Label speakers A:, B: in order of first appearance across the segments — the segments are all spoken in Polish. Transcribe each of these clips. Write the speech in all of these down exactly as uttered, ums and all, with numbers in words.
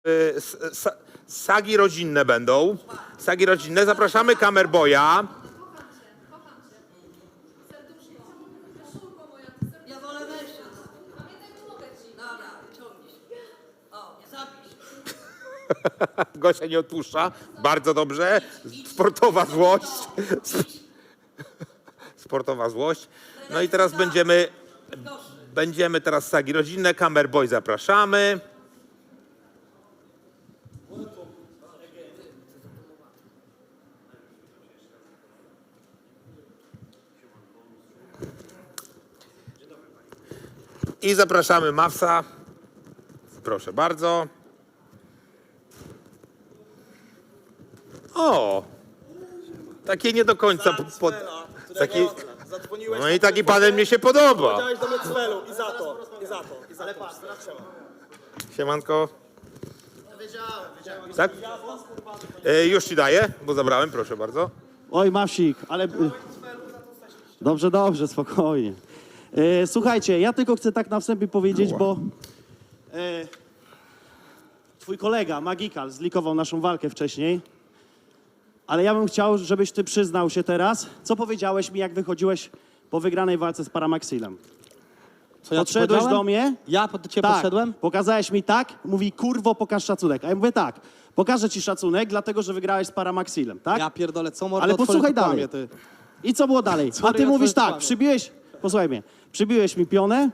A: Sagi rodzinne będą. Sagi rodzinne. Zapraszamy Kamerboya.
B: Ja wolę mężczyzn. Dobra, ciągnij się. O, nie zapisz.
A: Gosia nie odpuszcza. Bardzo dobrze. Sportowa złość. Sportowa złość. No i teraz będziemy... Będziemy teraz sagi rodzinne. Kamerboy zapraszamy. I zapraszamy Mawsa. Proszę bardzo. O! Takie nie do końca... Po, po, taki, no i taki panel mnie się podoba.
C: Powiedziałeś do mnie cwelu i za to, i za to, i za to.
A: Siemanko. Tak? E, już ci daję, bo zabrałem, proszę bardzo.
D: Oj, Mawsik, ale... Dobrze, dobrze, spokojnie. E, słuchajcie, ja tylko chcę tak na wstępie powiedzieć, bo e, twój kolega, Magikal, zlikował naszą walkę wcześniej, ale ja bym chciał, żebyś ty przyznał się teraz, co powiedziałeś mi, jak wychodziłeś po wygranej walce z Paramaxilem.
C: Co ja ci
D: Podszedłeś
C: powiedziałem?
D: do mnie?
C: Ja do ciebie
D: Tak,
C: podszedłem?
D: pokazałeś mi tak, mówi, kurwo, pokaż szacunek. A ja mówię tak, pokażę ci szacunek, dlatego, że wygrałeś z Paramaxilem, tak?
C: Ja pierdolę, co mordo
D: Ale
C: otworzył,
D: posłuchaj
C: to
D: dalej.
C: kłamie, ty.
D: I co było dalej? A
C: Sorry,
D: ty
C: ja
D: mówisz
C: twoje
D: tak,
C: kłamie.
D: przybiłeś, posłuchaj mnie, przybiłeś mi pionę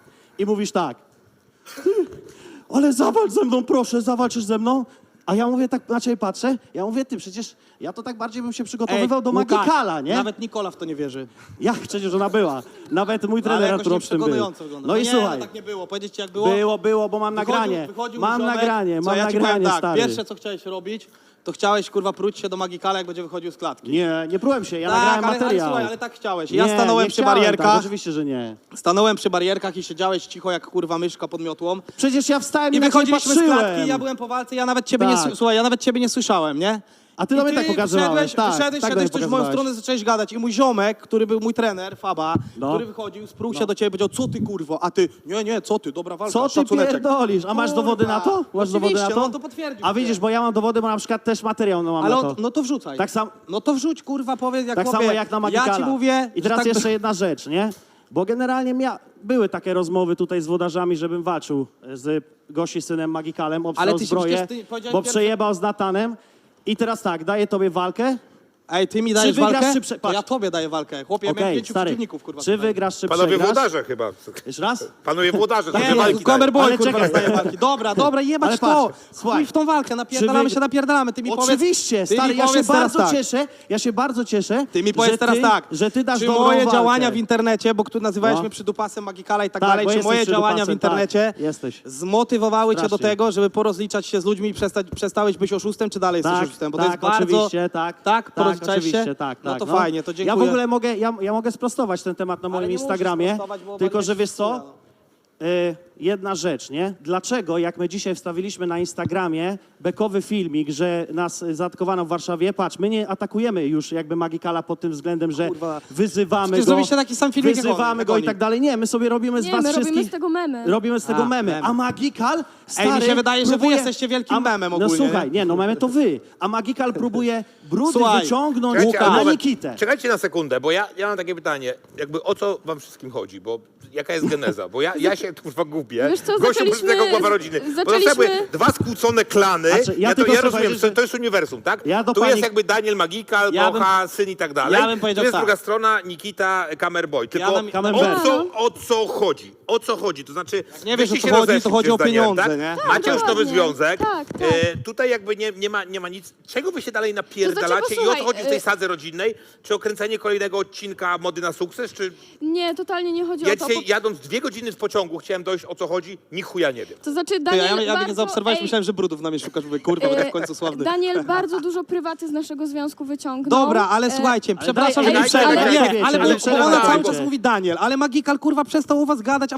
D: i mówisz tak, ty, ale zawalcz ze mną, proszę, zawalczysz ze mną. A ja mówię, tak na ciebie patrzę, ja mówię, ty, przecież ja to tak bardziej bym się przygotowywał do
C: Łukasz,
D: Magikala, nie?
C: Nawet Nikola w to nie wierzy.
D: Jak przecież ona była? Nawet mój
C: Ale
D: trener
C: jakoś
D: Artur
C: nie
D: Obsztyn był.
C: przekonująco wygląda.
D: No i
C: nie,
D: słuchaj,
C: no tak nie było. Powiedzieć ci jak było?
D: było, było, bo mam
C: Wychodził-
D: nagranie,
C: wychodził
D: mam
C: ziomek,
D: nagranie,
C: co,
D: mam
C: ja ci powiem
D: nagranie,
C: tak,
D: stary.
C: Pierwsze, co chciałeś robić, to chciałeś, kurwa, próć się do Magikala, jak będzie wychodził z klatki.
D: Nie, nie prułem się, ja
C: tak,
D: nagrałem
C: ale, ale
D: materiał.
C: słuchaj, ale tak chciałeś. Ja
D: Nie,
C: stanąłem
D: nie
C: przy
D: chciałem,
C: barierkach,
D: tak, oczywiście, że nie.
C: stanąłem przy barierkach i siedziałeś cicho jak kurwa myszka pod miotłą.
D: Przecież ja wstałem i,
C: I
D: na ciebie
C: wychodziliśmy z
D: patrzyłem.
C: klatki, ja byłem po walce, ja nawet ciebie nie,
D: Tak.
C: s- słuchaj, ja nawet ciebie nie słyszałem, nie?
D: A ty do
C: I
D: mnie tak pokazywałeś,
C: wyszedłeś,
D: tak,
C: wyszedłeś,
D: tak do
C: szedłeś
D: mnie
C: coś w moją
D: pokazywałeś.
C: stronę, zacząłeś gadać i mój ziomek, który był mój trener, Faba,
D: No.
C: który wychodził, sprół się do ciebie i powiedział, co ty kurwo, a ty, nie, nie, co ty, dobra walka,
D: Co ty
C: szacuneczek.
D: pierdolisz? A masz
C: Kurwa.
D: dowody na to? Masz dowody na
C: Oczywiście,
D: to?
C: no to potwierdził.
D: A widzisz, bo ja mam dowody, bo na przykład też materiał no mam
C: Ale
D: na
C: o,
D: to.
C: no to wrzucaj.
D: Tak sam-
C: No to wrzuć, kurwa, powiedz jak
D: Tak
C: chłopie,
D: samo jak na Magikala.
C: Ja ci mówię,
D: I teraz
C: że tak
D: jeszcze
C: by-
D: jedna rzecz, nie? Bo generalnie mia... były takie rozmowy tutaj z włodarzami, żebym walczył z Gosi synem Magikalem,
C: Ale
D: obstrał
C: ty się
D: zbroję,
C: przecież ty powiedziałeś
D: bo
C: pierwszy-
D: przejebał z Natanem. I teraz tak, daję tobie walkę.
C: Ej, ty mi dajesz
D: wygrasz,
C: walkę,
D: czy prze-
C: to
D: patrz.
C: ja tobie daję walkę. Chłopie, ja miałem
D: Okej,
C: pięciu
D: stary,
C: przeciwników, kurwa.
D: czy
C: tutaj.
D: wygrasz, czy
A: Panowie
D: przegrasz?
A: włodarze chyba.
D: Jeszcze raz?
A: Panowie włodarze.
C: Nie,
A: takie
C: no,
A: walki
C: Kamerboy,
D: Ale
C: kurwa,
D: czekaj.
C: rozdaje walki. Dobra, dobra, jebać
D: Ale
C: to.
D: patrz, słuchaj.
C: Chuj w tą walkę, napierdalamy
D: Czy wy-
C: się, napierdalamy. Ty mi powiedz...
D: Oczywiście,
C: ty mi
D: stary, ja się
C: powiedz teraz
D: bardzo
C: tak.
D: cieszę, ja się bardzo cieszę,
C: Ty mi powiedz
D: że
C: teraz
D: ty,
C: tak,
D: że ty dasz
C: czy
D: dobrą
C: moje
D: walkę.
C: działania w internecie, bo tu nazywałeś
D: No.
C: mnie przydupasem Magikala i tak
D: Tak,
C: dalej,
D: bo
C: czy
D: jesteś
C: moje działania w
D: przydupasem,
C: internecie
D: tak, jesteś.
C: zmotywowały cię do
D: Strasznie.
C: tego, żeby porozliczać się z ludźmi i przestać, przestałeś być oszustem, czy dalej
D: Tak,
C: jesteś oszustem? Bo
D: tak,
C: to jest bardzo...
D: oczywiście, tak.
C: Tak? Porozliczałeś
D: oczywiście,
C: się?
D: tak,
C: No
D: tak.
C: to fajnie, to dziękuję.
D: Ja w ogóle mogę, ja, ja mogę sprostować ten temat na
C: Ale
D: moim
C: nie musisz
D: Instagramie,
C: sprostować, bo
D: tylko
C: walniesz
D: że wiesz
C: w
D: co?
C: chuja, no.
D: Y, jedna rzecz, nie? Dlaczego, jak my dzisiaj wstawiliśmy na Instagramie bekowy filmik, że nas y, zaatakowano w Warszawie, patrz, my nie atakujemy już jakby Magikala pod tym względem, że
C: Kurwa.
D: wyzywamy
C: Przecież
D: go,
C: zrobiliście taki sam filmik jak on,
D: wyzywamy
C: jak
D: go i
C: oni.
D: tak dalej. Nie, my sobie robimy z
E: Nie,
D: was
E: my
D: wszystkich...
E: robimy z tego memy.
D: Robimy z tego
C: A,
D: memy.
C: memy.
D: A Magikal, stary,
C: Ej, mi się wydaje, że wy
D: próbuje...
C: jesteście wielkim
D: A-
C: memem
D: No
C: ogólnie,
D: słuchaj,
C: nie?
D: nie, no memy to wy. A Magikal próbuje brudy
C: Słuchaj,
D: wyciągnąć
A: Czekajcie, ale
D: na
A: moment.
D: Nikitę.
A: Czekajcie na sekundę, bo ja, ja mam takie pytanie. Jakby o co wam wszystkim chodzi? Bo jaka jest geneza? Bo ja, ja się tu kurwa gubię.
E: Wiesz co,
A: Gościu
E: zaczęliśmy-
A: tego głowa rodziny. Bo to
E: zaczęliśmy-
A: są jakby dwa skłócone klany.
D: A czy- ja
A: ja, to,
D: tylko
A: ja
D: chcę
A: rozumiem,
D: powiedzieć,
A: to,
D: że-
A: to jest uniwersum, tak?
D: Ja do
A: tu
D: pani-
A: jest jakby Daniel Magikal,
C: Ja bym-
A: Bocha, syn i tak dalej.
C: ja bym powiedział
A: tu jest
C: tak.
A: druga strona, Nikita, Kamerboy. Tylko
C: bym-
A: o,
D: Camembert.
A: co, o co chodzi? O co chodzi? To znaczy,
C: nie wiesz,
A: wyście
C: o co
A: się
C: chodzi, to
A: rozeszli
C: chodzi o
A: z Danielem,
C: pieniądze,
A: tak?
C: nie? Tak,
A: Macie już nowy
E: dokładnie.
A: związek.
E: Tak, tak.
A: E, tutaj jakby nie, nie, ma, nie ma nic. Czego wy się dalej napierdalacie i o co
E: posłuchaj,
A: chodzi w tej
E: e-
A: sadze rodzinnej? Czy o kręcenie kolejnego odcinka Mody na sukces? Czy
E: Nie, totalnie nie chodzi
A: ja
E: o to.
A: dzisiaj
E: po-
A: jadąc dwie godziny w pociągu chciałem dojść o co chodzi? Ni chuja nie wiem.
E: To znaczy
C: Ty,
E: Daniel
C: ja, ja, ja
E: bardzo...
C: mnie zaobserwowałeś,
E: ej,
C: myślałem, że brudów na mnie szukasz, mówię, kurwa, będę w końcu sławny.
E: Daniel bardzo dużo prywaty z naszego związku wyciągnął.
C: Dobra, ale
E: E,
C: słuchajcie,
D: ale
C: przepraszam,
D: daj-
C: że nie
E: ej,
C: przerwę.
E: ale-
C: Nie,
D: ale-
C: ale,
D: ale
C: bo
D: przerwaj,
C: ona cały
D: dajcie.
C: czas mówi Daniel, ale Magikal kurwa przestał u was gadać, a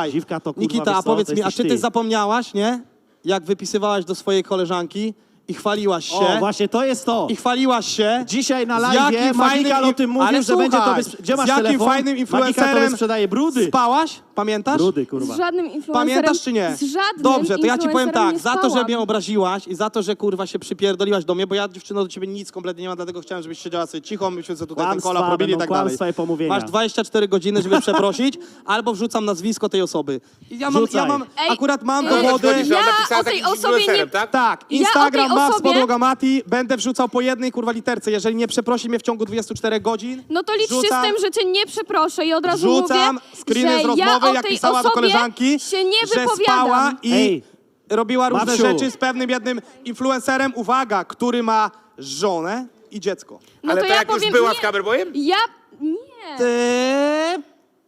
C: Słuchaj,
D: Dziwka to, kurwa,
C: Nikita,
D: wiesz
C: a
D: co,
C: powiedz
D: to
C: mi, a
D: jesteś
C: czy ty
D: ty.
C: zapomniałaś, nie? jak wypisywałaś do swojej koleżanki i chwaliłaś się.
D: O, właśnie to jest to.
C: I chwaliłaś się.
D: Dzisiaj na
C: z
D: live
C: jakim
D: Magikal o
C: fajnym-
D: tym mówił,
C: ale
D: że będzie to...
C: słuchaj,
D: Bez... Gdzie masz
C: z jakim
D: telefon?
C: fajnym
D: Magikal
C: influencerem
D: tobie sprzedaje brudy.
C: Spałaś? Pamiętasz?
D: Brudy,
E: Z
D: kurwa.
E: żadnym influencerem.
C: Pamiętasz czy nie?
E: Z żadnym
C: Dobrze, to ja ci powiem
E: influencerem
C: tak,
E: nie
C: za to, że
E: spałam.
C: mnie obraziłaś i za to, że kurwa się przypierdoliłaś do mnie, bo ja dziewczyno do ciebie nic kompletnie nie mam, dlatego chciałem, żebyś siedziała sobie cicho, myśmy sobie tutaj
D: Kłamstwa,
C: ten kola probili i
D: będą
C: tak dalej.
D: kłamstwa i pomówienia.
C: Masz dwadzieścia cztery godziny, żeby przeprosić, albo wrzucam nazwisko tej osoby. I ja mam, ja
D: Wrzucaj.
C: mam
E: Ej,
C: akurat mam
E: ej,
C: dowody.
A: Chodzi, że ona
E: Ja
A: napisała
E: o tej
A: z jakimś
E: osobie nie-
A: influencerem, tak?
C: Tak,
E: Ja
C: Instagram
E: o tej
C: ma z
E: osobie-
C: podłoga Mati, będę wrzucał po jednej kurwa literce. Jeżeli nie przeprosi mnie w ciągu dwudziestu czterech godzin,
E: No to liczcie
C: wrzucam-
E: z tym, że cię nie przeproszę i od razu
C: Wrzucam
E: mówię,
C: screeny
E: że
C: z rozmowy,
E: ja o
C: jak
E: tej
C: pisała do
E: osobie
C: koleżanki,
E: się nie
C: że
E: wypowiadam.
C: spała i
D: Ej,
C: robiła różne
D: Babsiu.
C: rzeczy z pewnym jednym influencerem, uwaga, który ma żonę i dziecko.
E: No
A: Ale
E: to
A: to
E: ja
A: jak już
E: powiem,
A: była
E: nie,
A: z Kamerboyem?
E: Ja... Nie.
C: Eee,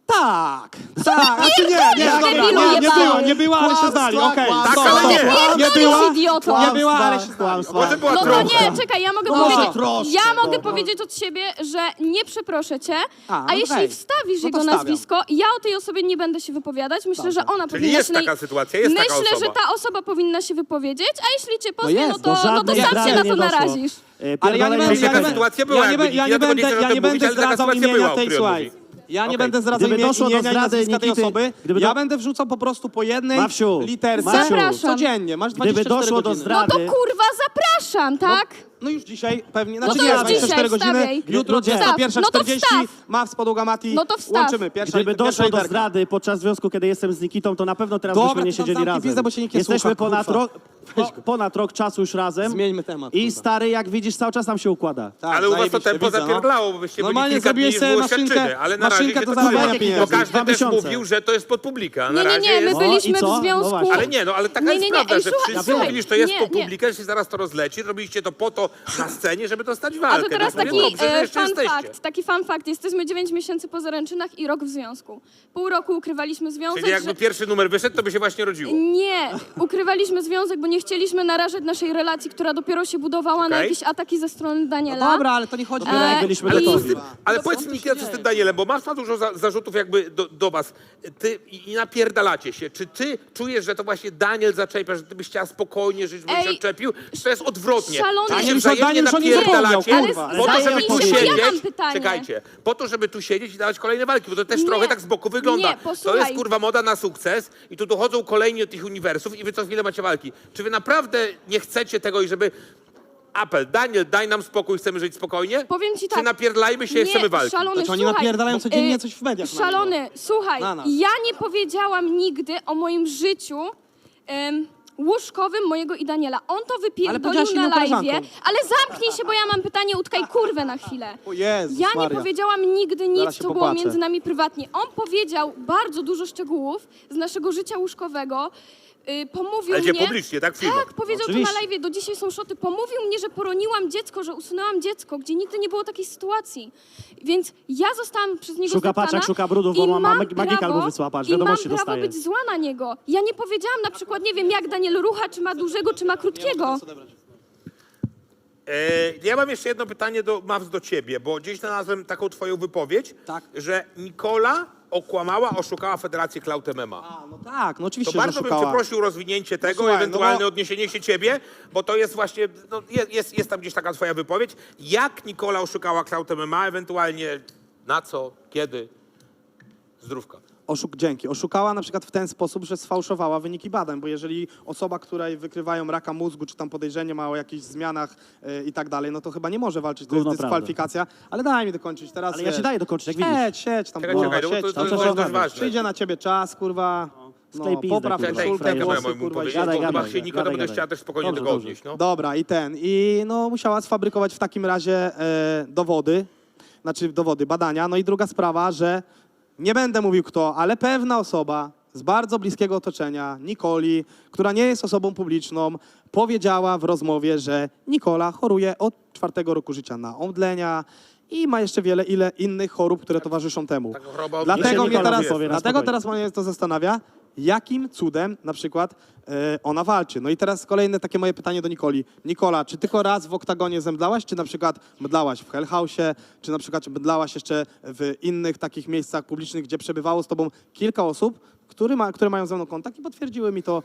C: tak. Tak, znaczy nie, nie,
E: pierdolisz,
C: dobra,
E: debilu
C: nie, nie
E: jebany.
C: była, nie była, ale się znali, okej.
D: Kłamstwa,
C: stop,
A: ale
C: stop.
A: nie.
C: Nie
E: Pierdolisz,
C: była,
E: idioto.
C: nie była, ale się znali.
D: Kłamstwa.
A: Może była
E: No to
A: trochę.
E: nie, czekaj, ja mogę
C: No może
E: powiedzieć,
D: troszkę,
E: ja mogę
D: no.
E: powiedzieć od siebie, że nie przeproszę cię,
C: A,
E: a,
C: no
E: jeśli
C: okej.
E: wstawisz
C: No to
E: jego
C: wstawiam.
E: nazwisko, ja o tej osobie nie będę się wypowiadać, myślę, że ona
A: Czyli
E: powinna
A: jest
E: się... naj-
A: taka sytuacja, jest
E: Myślę,
A: taka osoba.
E: że ta osoba powinna się wypowiedzieć, a jeśli cię pozwie,
C: jest,
E: no,
C: do
E: to, no to
D: żadnej
E: sam
D: zdrady
E: się na
D: nie
E: to
D: doszło.
E: narazisz.
D: E,
C: Ale ja nie będę,
D: pierdolenie
C: ja
A: taka
C: nie,
A: sytuacja była,
C: ja nie,
A: jakby
C: będę- ja
A: nikt
C: nie
A: wiadomo, nie
C: będę,
A: chce o
C: ja
A: tym
C: nie
A: mówić,
C: będę
A: ale taka
C: zdradzał
A: sytuacja
C: imienia
A: była, o
C: tej,
A: której on
C: słuchaj.
A: mówi.
C: Ja nie
A: Okej.
C: będę zdradzał
D: Gdyby
C: imienia,
D: doszło do
C: imienia i
D: zdrady
C: nazwiska tej
D: Nikity-
C: osoby.
D: gdyby
C: Ja
D: do-
C: będę wrzucał po prostu po jednej
D: Mawsiu,
C: literce
D: Mawsiu.
E: Zapraszam.
C: codziennie. Masz
D: Gdyby
C: dwadzieścia cztery
D: doszło do
C: godziny.
D: zdrady-
E: No to kurwa zapraszam, tak?
C: No już dzisiaj pewnie,
E: No
C: znaczy
E: to
C: nie,
E: już
C: dwadzieścia cztery
E: dzisiaj
C: godziny,
E: wstawiaj.
C: jutro
D: Ludzie.
C: dwudziesta pierwsza
E: No to
C: czterdzieści,
E: wstaw.
C: ma z podłoga Mati,
E: No to wstaw.
C: łączymy. Pierwsza,
D: Gdyby
C: pierwsza
D: doszło do
C: literka.
D: zdrady podczas związku, kiedy jestem z Nikitą, to na pewno teraz
C: Dobra,
D: byśmy nie
C: to tam
D: siedzieli
C: zamknij
D: razem.
C: pizdę, bo cię nikt nie
D: Jesteśmy
C: słucha,
D: ponad,
C: kurwa.
D: rok, po, ponad rok czasu już razem.
C: Zmieńmy temat,
D: I
C: kurwa.
D: stary, jak widzisz, cały czas nam się układa.
C: Tak,
A: Ale u was to
C: zajebiście,
A: tempo
C: widzę, no.
A: zapierdlało, bo byście byli
C: Normalnie
A: kilka dni,
C: zrobiłeś
A: już
C: sobie
A: było
C: maszynkę-
A: świadczyny, ale na razie
C: maszynkę
A: się
C: do
A: to
C: zarabiania
A: dzieje.
C: pieniędzy.
A: Bo każdy
D: Dwa
A: też
D: miesiące.
A: mówił, że to jest pod publikę, a na
E: Nie, nie,
A: razie
E: nie, my
A: jest...
D: No i
E: byliśmy
D: co?
E: w
D: No
E: związku...
D: właśnie.
A: Ale nie, no ale taka
E: Nie,
A: jest
E: nie, nie,
A: prawda,
E: ej,
A: że
E: słuchaj,
A: wszyscy
E: słuchaj,
A: mówili, że to jest
E: nie,
A: po
E: nie.
A: publikę, że się zaraz to rozleci, robiliście to po to na scenie, żeby dostać
E: A
A: walkę.
E: to teraz
A: no,
E: taki
A: dobrze, że
E: e,
A: jeszcze
E: fun
A: jesteście.
E: fact, taki fun fact. Jesteśmy dziewięć miesięcy po zaręczynach i rok w związku. Pół roku ukrywaliśmy związek,
A: Czyli jakby
E: że...
A: pierwszy numer wyszedł, to by się właśnie rodziło.
E: Nie, ukrywaliśmy związek, bo nie chcieliśmy narażać naszej relacji, która dopiero się budowała na
A: Okej.
E: jakieś ataki ze strony Daniela.
C: No dobra, ale to nie chodzi
D: Dopiero jak
E: E,
D: byliśmy
E: i-
D: gotowi.
A: Ale
E: No
A: powiedz
E: co
A: mi,
E: tu się
A: co z
E: dzieje?
A: tym Danielem, bo masz ma dużo za, zarzutów jakby do, do was. Ty i, i napierdalacie się. Czy ty czujesz, że to właśnie Daniel zaczepia, że ty byś chciała spokojnie żyć, byś się
E: Ej,
A: odczepił? Czy to jest odwrotnie?
E: szalony-
A: Wy się
C: Daniel już-
A: wzajemnie
C: Daniel już o nim
A: napierdalacie
C: zapomniał,
E: kurwa.
A: po to,
E: Ale
A: żeby
E: zamknij
A: tu
E: się, bo ja
A: siedzieć.
E: mam pytanie.
A: Czekajcie. Po to, żeby tu siedzieć i dawać kolejne walki, bo to też
E: Nie.
A: trochę tak z boku wygląda.
E: Nie,
A: to
E: posłuchaj.
A: jest kurwa moda na sukces i tu dochodzą kolejni od tych uniwersów i wy co chwilę macie walki. Czy wy naprawdę nie chcecie tego i żeby... Apel, Daniel, daj nam spokój, chcemy żyć spokojnie?
E: Powiem ci tak.
A: Czy napierdlajmy się i
E: Nie,
A: chcemy walki?
E: szalony,
C: Znaczy oni
E: słuchaj,
C: napierdalają codziennie
E: y,
C: coś w mediach na
E: Szalony, słuchaj,
C: Na nas.
E: ja nie powiedziałam nigdy o moim życiu em, łóżkowym mojego i Daniela. On to
C: powiedziałaś
E: wypierdolił na
C: inną
E: live'ie,
C: koleżanką.
E: ale zamknij się, bo ja mam pytanie, utkaj kurwę na chwilę.
C: O Jezus
E: Ja nie
C: Maria.
E: powiedziałam nigdy nic,
C: Zaraz się
E: co było
C: popłaczę.
E: między nami prywatnie. On powiedział bardzo dużo szczegółów z naszego życia łóżkowego. Yy, pomówił
A: Ale gdzie
E: mnie...
A: publicznie, tak? W filmach.
E: Tak, powiedział to
D: Oczywiście.
E: na live, do dzisiaj są szoty. Pomówił mnie, że poroniłam dziecko, że usunęłam dziecko, gdzie nigdy nie było takiej sytuacji. Więc ja zostałam przez niego
D: Szuka
E: zdeptana
D: paczek, szuka brudów,
E: i
D: bo ma- ma-
E: mam
D: Magikal
E: prawo-
D: mu wysłała, patrz,
E: I mam
D: wiadomości
E: prawo
D: dostaje.
E: być zła na niego. Ja nie powiedziałam na przykład, nie wiem, jak Daniel rucha, czy ma dużego, czy ma krótkiego.
A: E, ja mam jeszcze jedno pytanie do Maws do ciebie, bo gdzieś znalazłem taką twoją wypowiedź,
C: Tak.
A: że Nikola okłamała, oszukała Federację Cloud M M A.
C: A, no tak, no
A: To
C: oczywiście, że
A: bardzo bym
C: szukała.
A: przeprosił o rozwinięcie tego,
C: słuchaj, no
A: ewentualne
C: bo-
A: odniesienie się ciebie, bo to jest właśnie, no, jest, jest, jest tam gdzieś taka twoja wypowiedź. Jak Nikola oszukała Cloud M M A, ewentualnie na co, kiedy? Zdrówka.
C: Oszuk, dzięki. Oszukała na przykład w ten sposób, że sfałszowała wyniki badań, bo jeżeli osoba, której wykrywają raka mózgu, czy tam podejrzenie ma o jakichś zmianach yy, i tak dalej, no to chyba nie może walczyć, to jest
D: Gówno prawda.
C: dyskwalifikacja. Ale daj mi dokończyć teraz.
D: Ale ja
C: wiesz,
D: ci daję dokończyć, jak widzisz.
C: Siedź, siedź tam,
A: Czekaj,
C: kurwa,
A: czekaj, no bo
C: siedź
A: to,
C: tam.
A: to,
D: cały
A: to
D: czas
A: jest dość
D: rozmawiam.
A: ważne.
C: Przyjdzie na ciebie czas, kurwa.
D: Sklej
C: No,
D: pizdę,
C: popraw
D: kurwa.
C: koszulkę,
A: Czekaj,
D: Koszulkę,
A: czekaj,
C: włosy,
A: moja mój
C: kurwa,
A: powiedzieć,
D: gadaj,
A: bo chyba
D: gadaj,
A: się Niko
D: gadaj,
A: to będzie
D: gadaj.
A: chciała też spokojnie
D: Dobrze,
A: tego
D: dobrze.
A: odnieść. No.
C: Dobra, i ten. I no musiała sfabrykować w takim razie e, dowody, znaczy dowody, badania. No i druga sprawa, że nie będę mówił kto, ale pewna osoba z bardzo bliskiego otoczenia, Nikoli, która nie jest osobą publiczną, powiedziała w rozmowie, że Nikola choruje od czwartego roku życia na omdlenia i ma jeszcze wiele ile innych chorób, które towarzyszą temu.
A: Taka choroba
C: Dlatego
D: Jeszcze
C: mnie
D: Nikola
C: teraz,
D: wypowie na
C: dlatego
D: spokojnie.
C: teraz mnie to zastanawia, jakim cudem na przykład e, ona walczy. No i teraz kolejne takie moje pytanie do Nikoli. Nikola, czy tylko raz w oktagonie zemdlałaś, czy na przykład mdlałaś w Hell House'ie, czy na przykład mdlałaś jeszcze w innych takich miejscach publicznych, gdzie przebywało z tobą kilka osób, które, ma, które mają ze mną kontakt i potwierdziły mi to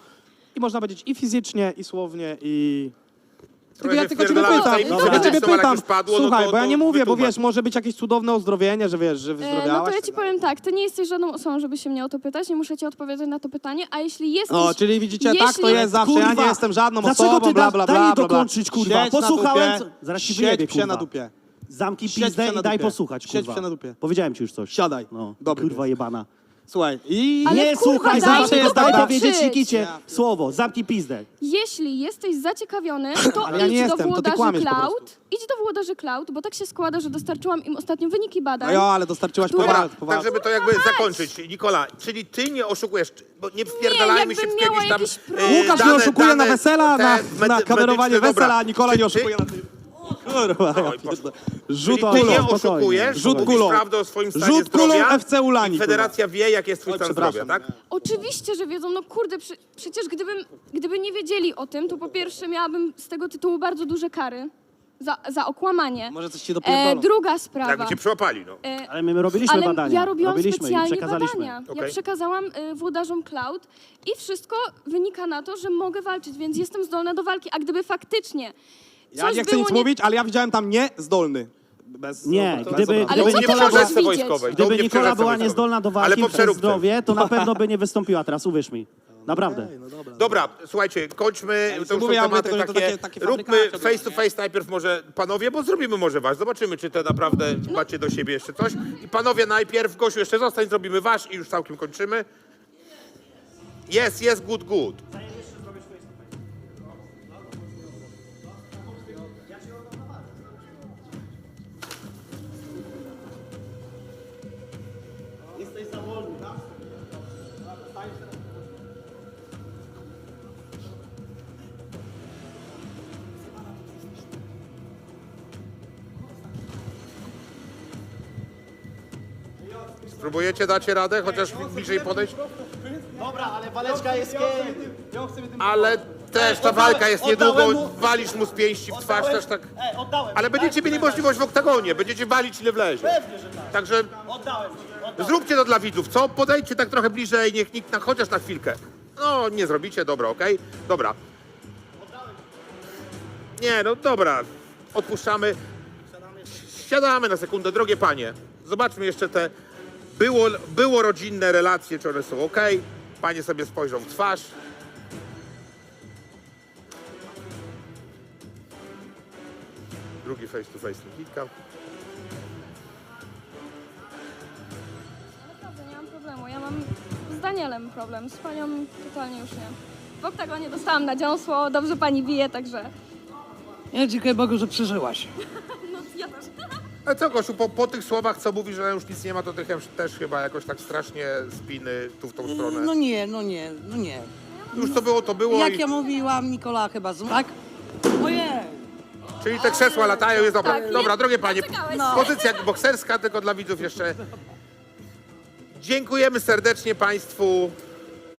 C: i można powiedzieć i fizycznie, i słownie, i...
A: Trochę
C: ja
A: się
C: tylko ciebie
A: wpierdalałem w
C: pytam,
A: tajemnicę
C: ja ciebie
A: medyczną, ale jak
C: pytam,
A: już padło, no
C: słuchaj,
A: to-
C: bo ja
A: to
C: nie mówię, bo
A: wytłumacz.
C: wiesz, może być jakieś cudowne uzdrowienie, że wiesz, że
E: E,
C: wyzdrowiałaś.
E: No to ja ci
C: tak
E: powiem tak, ty nie jesteś żadną osobą, żeby się mnie o to pytać, nie muszę ci odpowiadać na to pytanie, a jeśli jesteś...
C: No, czyli widzicie, tak to
E: jeśli-
C: jest zawsze, ja nie jestem żadną
D: Dlaczego
C: osobą,
D: ty
C: bla,
D: da-
C: bla,
D: daj
C: bla,
D: mi
C: bla, bla.
D: dokończyć, kurwa.
C: Siedź na
D: Posłuchałem,
C: dupie,
D: co- zaraz ci
C: siedź
D: wyjebie,
C: psie na
D: kurwa.
C: dupie.
D: Zamknij
C: Siedź
D: pizdę
C: psie na
D: i daj
C: dupie.
D: posłuchać,
C: Siedź
D: kurwa.
C: psie na dupie.
D: Powiedziałem ci już coś.
C: Siadaj.
D: No,
C: Dobry
D: kurwa
C: to jest.
D: jebana.
C: Słuchaj, i...
E: Ale
D: nie
E: kurwa,
D: słuchaj,
E: daj
D: zawsze
E: mi
D: jest daj
E: dokończyć.
D: powiedzieć Nikicie słowo. Zamknij pizdę.
E: Jeśli jesteś zaciekawiony, to
C: Ale ja nie
E: idź do
C: jestem, to ty
E: włodarzy
C: kłamiesz po
E: Cloud.
C: prostu.
E: Idź do włodarzy Cloud, bo tak się składa, że dostarczyłam im ostatnio wyniki badań.
C: No jo, ale dostarczyłaś
E: Dobra,
A: Dobra,
C: poważnie.
A: tak żeby to jakby zakończyć. Nikola, czyli ty nie oszukujesz, bo nie wpierdalajmy się w
E: jakbym miała
A: jakieś tam...
E: jakiś
A: e,
E: problem.
C: Łukasz nie
A: dane-
C: oszukuje na
A: dane
C: wesela,
A: te
C: na,
A: medy-
C: na kamerowanie
A: medyczne, dobra.
C: wesela, a Nikola nie
A: Czy
C: oszukuje
A: ty-
C: na tym. Kurwa, ja
A: Oj,
C: pierdolę.
A: Czyli
C: Rzut
A: ty
C: kulą.
A: nie
D: spokojnie.
A: oszukujesz,
C: Rzut
A: mówisz
C: kulą.
A: prawdę o swoim stanie
C: Rzut kulą
A: zdrowia
C: F C Ulani,
A: i federacja wie, jak jest twój
C: Oj,
A: stan zdrowia,
C: przepraszam.
A: tak?
E: Oczywiście, że wiedzą, no kurde, przy, przecież gdybym, gdyby nie wiedzieli o tym, to po pierwsze miałabym z tego tytułu bardzo duże kary za, za okłamanie.
C: Może coś ci
E: E,
C: dopierdolą.
E: druga sprawa.
A: Jakby cię przyłapali, no.
E: E,
D: Ale my, my robiliśmy
E: Ale
D: badania.
E: ja robiłam
D: robiliśmy i
E: specjalnie
D: przekazaliśmy.
E: badania. Ja
A: Okej.
E: przekazałam y, włodarzom Cloud i wszystko wynika na to, że mogę walczyć, więc jestem zdolna do walki. A gdyby faktycznie
C: Ja
E: coś
C: nie chcę
E: było
C: nic
E: nie...
C: mówić, ale ja widziałem tam niezdolny. Bez,
D: Nie,
C: bez
D: gdyby-
C: obrazu.
E: Ale
D: gdyby
E: co ty
A: nie
D: Nikola
A: przy
E: możesz
A: przerzeczce
E: widzieć?
A: wojskowej.
D: Gdyby
A: nie przy
D: Nikola
A: przerzeczce
D: była
A: wojskowej.
D: niezdolna do
A: Ale
D: walki
A: po
D: przez
A: przeróbce.
D: zdrowie, to na pewno by nie wystąpiła teraz, uwierz mi. Naprawdę.
A: Dobra, słuchajcie, kończmy,
C: już
A: to już
C: mówię,
A: są
C: ja mówię
A: tematy
C: tylko, że to
A: takie,
C: takie- takie
A: róbmy
C: fabrykaty
A: face to face najpierw może panowie, bo zrobimy może was, zobaczymy, czy to naprawdę macie do siebie jeszcze coś. I panowie najpierw, Gosiu jeszcze zostań, zrobimy wasz i już całkiem kończymy. Jest, jest, good, good. Spróbujecie, dacie radę, chociaż bliżej podejść?
D: Dobra, ale waleczka jest kiedy?
A: Ale też ta
D: oddałem-
A: walka jest
D: oddałem
A: niedługo,
D: mu-
A: walisz mu z pięści w twarz też tak.
D: Ej, oddałem.
A: Ale będziecie mieli możliwość w oktagonie, będziecie walić ile wlezie.
D: Pewnie, że tak.
A: Także
D: Oddałem.
A: zróbcie to dla widzów, co? Podejdźcie tak trochę bliżej, niech nikt na, chociaż na chwilkę. No, nie zrobicie, dobra, okej? Dobra. Nie, no dobra, odpuszczamy. Siadamy na sekundę, drogie panie. Zobaczmy jeszcze te było, było rodzinne relacje, czy one są ok. Panie sobie spojrzą w twarz. Drugi face to face Nikitka.
E: Naprawdę nie mam problemu. Ja mam z Danielem problem, z panią totalnie już nie. W oktagonie dostałam na dziąsło, dobrze pani bije, także...
B: Ja dziękuję Bogu, że przeżyłaś.
E: No ja też.
A: A co, Gosiu, po, po tych słowach, co mówisz, że już nic nie ma, to ty też- też chyba jakoś tak strasznie spiny tu w tą stronę.
B: No nie, no nie, no nie.
A: Już to było, to było.
B: Jak
A: I...
B: ja mówiłam, Nikola chyba z... Tak? Ojej!
A: Czyli te krzesła latają, jest dobra.
E: Tak, nie-
A: Dobra, drogie panie,
E: doczekałeś
B: No.
A: pozycja bokserska, tylko dla widzów jeszcze. Dziękujemy serdecznie państwu.